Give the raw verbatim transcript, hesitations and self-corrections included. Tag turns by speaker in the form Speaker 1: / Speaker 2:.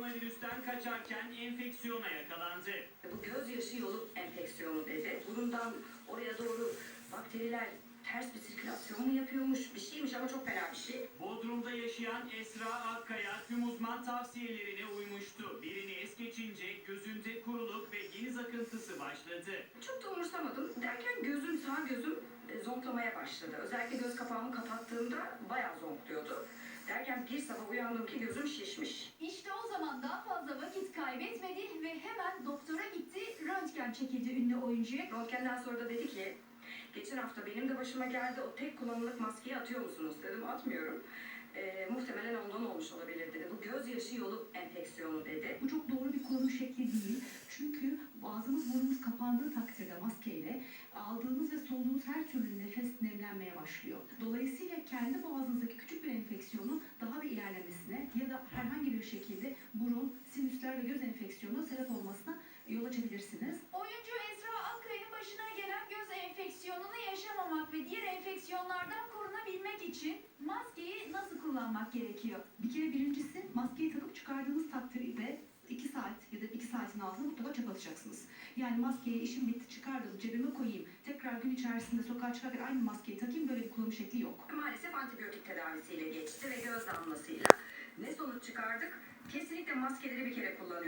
Speaker 1: koronavirüsten kaçarken enfeksiyona yakalandı.
Speaker 2: Bu gözyaşı yolu enfeksiyonu dedi. Burundan oraya doğru bakteriler ters bir sirkülasyon mu yapıyormuş? Bir şeymiş ama çok fena bir şey.
Speaker 1: Bodrum'da yaşayan Esra Akkaya tüm uzman tavsiyelerine uymuştu. Birini es geçince gözünde kuruluk ve geniz akıntısı başladı.
Speaker 2: Çok da umursamadım. Derken gözüm, sağ gözüm e, zonklamaya başladı. Özellikle göz kapağımı kapattığımda bayağı zonkluyordu. Derken bir sabah uyandım ki gözüm şişmiş.
Speaker 3: İşte o zaman daha fazla vakit kaybetmedi ve hemen doktora gitti, röntgen çekildi ünlü oyuncuya.
Speaker 2: Röntgenden sonra da dedi ki, geçen hafta benim de başıma geldi, o tek kullanımlık maskeyi atıyor musunuz dedim, atmıyorum. E, muhtemelen ondan olmuş olabilir dedi. Bu gözyaşı yolu enfeksiyonu dedi.
Speaker 4: Bu çok doğru bir kullanım şekli değil. Çünkü ağzımız burnumuz kapandığı takdirde maskeyle aldığınız ve soluduğunuz her türlü nefes nemlenmeye başlıyor. Dolayısıyla kendi boğazınızdaki küçük bir enfeksiyonun daha da ilerlemesine ya da herhangi bir şekilde burun, sinüsler ve göz enfeksiyonu sebep olmasına yol açabilirsiniz.
Speaker 3: Oyuncu Esra Akkaya'nın başına gelen göz enfeksiyonunu yaşamamak ve diğer enfeksiyonlardan korunabilmek için maskeyi nasıl kullanmak gerekiyor?
Speaker 4: Bir kere birincisi maskeyi takıp çıkardığınız takdirde iki saat ya da iki saatin altında mutlaka çöp atacaksınız. Yani maskeyi işim bitti çıkardım cebime koyayım. Tekrar gün içerisinde sokağa çıkarken aynı maskeyi takayım, böyle bir kullanım şekli yok.
Speaker 2: Maalesef antibiyotik tedavisiyle geçti ve göz damlasıyla. Ne sonuç çıkardık? Kesinlikle maskeleri bir kere kullanıyoruz.